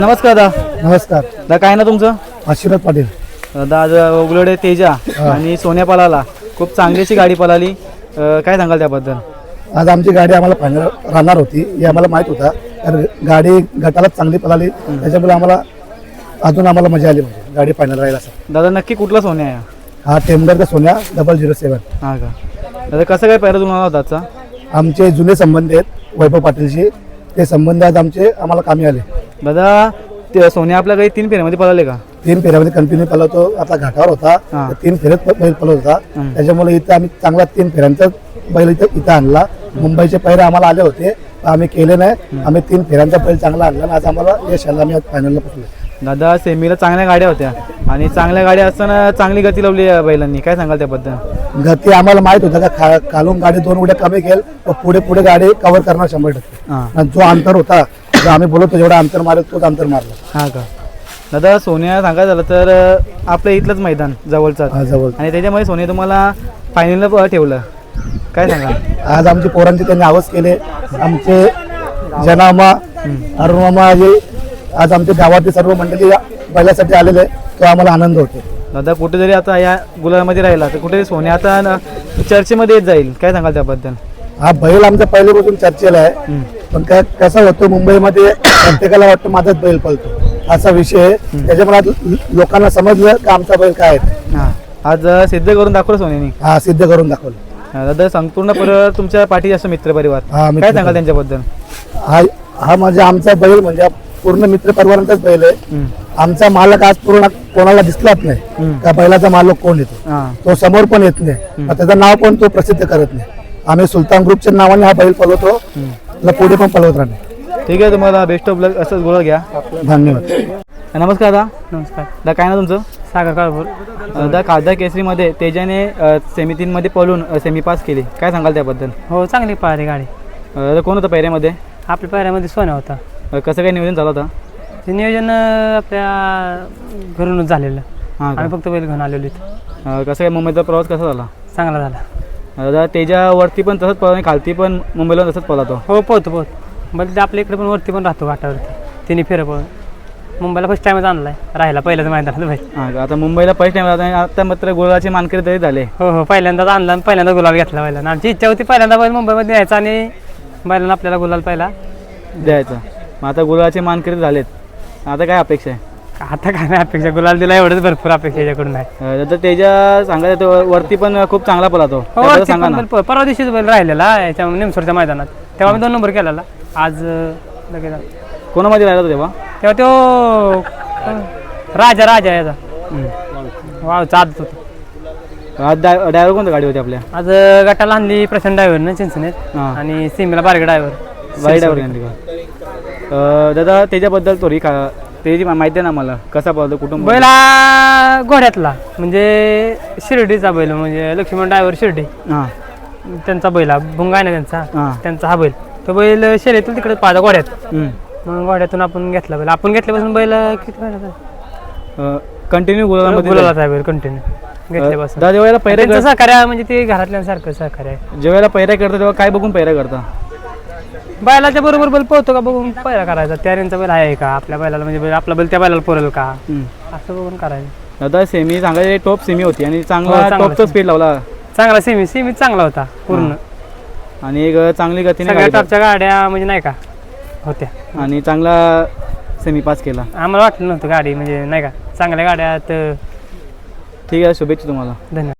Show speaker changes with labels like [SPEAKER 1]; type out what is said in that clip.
[SPEAKER 1] नमस्कार दादा.
[SPEAKER 2] नमस्कार.
[SPEAKER 1] दादा काय ना तुमचं?
[SPEAKER 2] आशीर्वाद पाटील.
[SPEAKER 1] दादा आज उगलडे तेजा आणि सोन्या पळाला, खूप चांगलीशी गाडी पळाली. काय सांगाल त्याबद्दल?
[SPEAKER 2] आज आमची गाडी आम्हाला फायनल राहणार होती हे आम्हाला माहित होता. तर गाडी गटाला चांगली पळाली, त्याच्यामुळे आम्हाला मजा आली. म्हणजे गाडी फायनल राहील असं.
[SPEAKER 1] दादा नक्की कुठला सोन्या आहे?
[SPEAKER 2] हा टेमगरचा सोन्या 007.
[SPEAKER 1] हा का दादा, कसं काय पहिला तुम्हाला होता आजचा?
[SPEAKER 2] आमचे जुने संबंध आहेत वैभव पाटीलशी, ते संबंध आज आम्हाला कामी आले.
[SPEAKER 1] दादा ते सोन्या आपल्या काही 3 फेऱ्यामध्ये पळाले का?
[SPEAKER 2] 3 फेऱ्यामध्ये कंटिन्यू पळवतो. आता घाटावर होता, तर 3 फेऱ्यात बैल पळवत होता. त्याच्यामुळे इथं आम्ही चांगला 3 फेऱ्यांचा बैल इथं आणला. मुंबईचे पैरे आम्हाला आले होते, आम्ही केले नाही. आम्ही 3 फेऱ्यांचा बैल चांगला आणला आणि आज आम्हाला यश आलं. आम्ही आज फायनलला पोहोचलो.
[SPEAKER 1] दादा सेमीला चांगल्या गाड्या होत्या आणि चांगल्या गाड्या असताना चांगली गती लावली या बैलांनी, काय सांगाल त्याबद्दल?
[SPEAKER 2] गती आम्हाला माहित होतं का खालून गाडी 2 उड्या कमी केल तर पुढे गाडी कव्हर करणार 100%. आणि जो अंतर होता, जो आम्ही बोलतो जेवढा अंतर मारत तोच अंतर मारला.
[SPEAKER 1] हा का दादा, सोन्या सांगायचं झालं तर आपलं इथलंच मैदान जवळचं
[SPEAKER 2] जवळ,
[SPEAKER 1] आणि त्याच्यामुळे सोन्या तुम्हाला फायनलला ठेवलं, काय सांगाल?
[SPEAKER 2] आज आमची पोरांची त्यांनी आवाज केले. आमचे जनामा अरुणामा हे आज आमच्या गावातील सर्व मंडळी बैलासाठी आलेले, तो आम्हाला आनंद होतो.
[SPEAKER 1] दादा कुठेतरी आता या गुलामध्ये राहिला तर कुठेतरी सोन्या आता चर्चेमध्ये येत जाईल, काय सांगाल त्याबद्दल?
[SPEAKER 2] हा बैल आमचा पहिल्यापासून चर्चेला आहे. पण काय कसं होतं, मुंबईमध्ये प्रत्येकाला वाटतं माझाच बैल पळतो असा विषय आहे. त्याच्यामुळे आज लोकांना समजलं की आमचा बैल काय आहे.
[SPEAKER 1] हा, आज सिद्ध करून दाखवलं सोन्याने.
[SPEAKER 2] हा, सिद्ध करून दाखवलं.
[SPEAKER 1] दादा संपूर्ण परिवार तुमच्या पाठीशी असं मित्र परिवार, काय सांगाल त्यांच्याबद्दल?
[SPEAKER 2] हा म्हणजे आमचा बैल म्हणजे पूर्ण मित्र परिवारांचाच बैल आहे. आमचा मालक आज पूर्ण कोणाला दिसलाच नाही. त्या बैलाचा मालक कोण येतो, तो समोर पण येत नाही. त्याचं नाव पण तो प्रसिद्ध करत नाही. आम्ही सुलतान ग्रुपच्या नावाने हा बैल पळवतो, पुढे पण पळवत राहणार.
[SPEAKER 1] ठीक आहे, तुम्हाला बेस्ट ऑफ लक, असंच गोळा घ्या.
[SPEAKER 2] धन्यवाद.
[SPEAKER 1] नमस्कार दादा.
[SPEAKER 3] नमस्कार.
[SPEAKER 1] दादा काय ना तुमचं?
[SPEAKER 3] सागर काळभोर.
[SPEAKER 1] दादा खासदार केसरीमध्ये तेजाने सेमी 3 मध्ये पळून सेमी पास केली, काय सांगाल त्याबद्दल?
[SPEAKER 3] हो, चांगली पळाली गाडी.
[SPEAKER 1] दादा कोण होतं पैऱ्यामध्ये?
[SPEAKER 3] आपल्या पायऱ्यामध्ये सोन्या होता.
[SPEAKER 1] कसं काय नियोजन झालं होतं?
[SPEAKER 3] ते नियोजन आपल्या घरूनच झालेलं.
[SPEAKER 1] हां का?
[SPEAKER 3] आम्ही फक्त बैल घेऊन आलेलो इथं.
[SPEAKER 1] कसं काय मुंबईचा प्रवास कसा झाला?
[SPEAKER 3] चांगला झाला.
[SPEAKER 1] दादा तेजावरती पण तसंच पळा आणि खालती पण मुंबईला तसंच पळतो.
[SPEAKER 3] हो, पोहतो बैल. ते आपल्या इकडे पण वरती पण राहतो घाटावरती. तिने फेरं पळून मुंबईला फर्स्ट टाइमच आणलाय, राहिला पहिल्याच मैदानात बैल.
[SPEAKER 1] हां का? आता मुंबईला फर्स्ट टाइम आता मात्र गुलाचे मानकरी तरी झाले.
[SPEAKER 3] हो, पहिल्यांदाच आणला आणि पहिल्यांदा गुलाल घेतला बैलांना. आमची इच्छा होती पहिल्यांदा बैल मुंबईमध्ये यायचा आणि बैलांना आपल्याला गुलाल पहिला
[SPEAKER 1] द्यायचं. मग आता गुलाचे मानकरी झालेत, आता काय अपेक्षा आहे?
[SPEAKER 3] आता काय नाही अपेक्षा, गुलाल दिला एवढंच भरपूर अपेक्षा याच्याकडून नाही.
[SPEAKER 1] दादा तेजा सांगायचं वरती पण खूप चांगला पळतो,
[SPEAKER 3] हो,
[SPEAKER 1] त्याबद्दल सांगा ना.
[SPEAKER 3] परवा दिवशीच बैल राहिलेला याच्या निमसोडच्या मैदानात, तेव्हा मी 2 नंबर केलेला. आज लगेच
[SPEAKER 1] कोणामध्ये राहिला तेव्हा?
[SPEAKER 3] तो राजा याचा वाव चालत होता.
[SPEAKER 1] आज ड्रायव्हर कोणत्या गाडी होती आपल्या?
[SPEAKER 3] आज गटाला आणली प्रशांत ड्रायव्हरनं चिंचणीत आणि सीमेला बारगे
[SPEAKER 1] बाई ड्रायव्हर आणली का? दादा त्याच्याबद्दल थोडी त्याची माहिती आहे ना मला, कसा पळतो, कुटुंब?
[SPEAKER 3] बैला घोड्यातला म्हणजे शिर्डीचा बैल, म्हणजे लक्ष्मण ड्रायव्हर शिर्डी, त्यांचा बैल भुंगा आहे ना त्यांचा हा बैल. तो बैल शर्यतीला तिकडे पाहता घोड्यात. मग घोड्यातून आपण घेतला बैल. आपण घेतल्यापासून बैल किती
[SPEAKER 1] कंटिन्यू
[SPEAKER 3] गुलाला बैल कंटिन्यू घेतल्यापासून.
[SPEAKER 1] दादा जेव्हा पैरा
[SPEAKER 3] सहकार्य म्हणजे ते घरातल्यांसारखं सहकार्य आहे.
[SPEAKER 1] जेव्हा पैरा करता तेव्हा काय बघून पैरा करता?
[SPEAKER 3] बैलाच्या बरोबर बैल पोहतो का बघून पहिला करायचा. त्यांचा बैल आहे का आपल्या बैलाला, म्हणजे आपला बैल त्या बैलाला पुरेल का, असं बघून करायचं.
[SPEAKER 1] दादा सेमी सांगायचे टॉप सेमी होती आणि चांगला टॉपचा स्पीड लावला.
[SPEAKER 3] चांगला सेमी चांगला होता पूर्ण
[SPEAKER 1] आणि एक चांगली गतीने
[SPEAKER 3] सगळ्या टॉपच्या गाड्या म्हणजे नाही का होत्या
[SPEAKER 1] आणि चांगला सेमी पास केला.
[SPEAKER 3] आम्हाला वाटलं नव्हतं गाडी म्हणजे नाही का चांगल्या गाड्यात.
[SPEAKER 1] ठीक आहे, शुभेच्छा तुम्हाला.
[SPEAKER 3] धन्यवाद.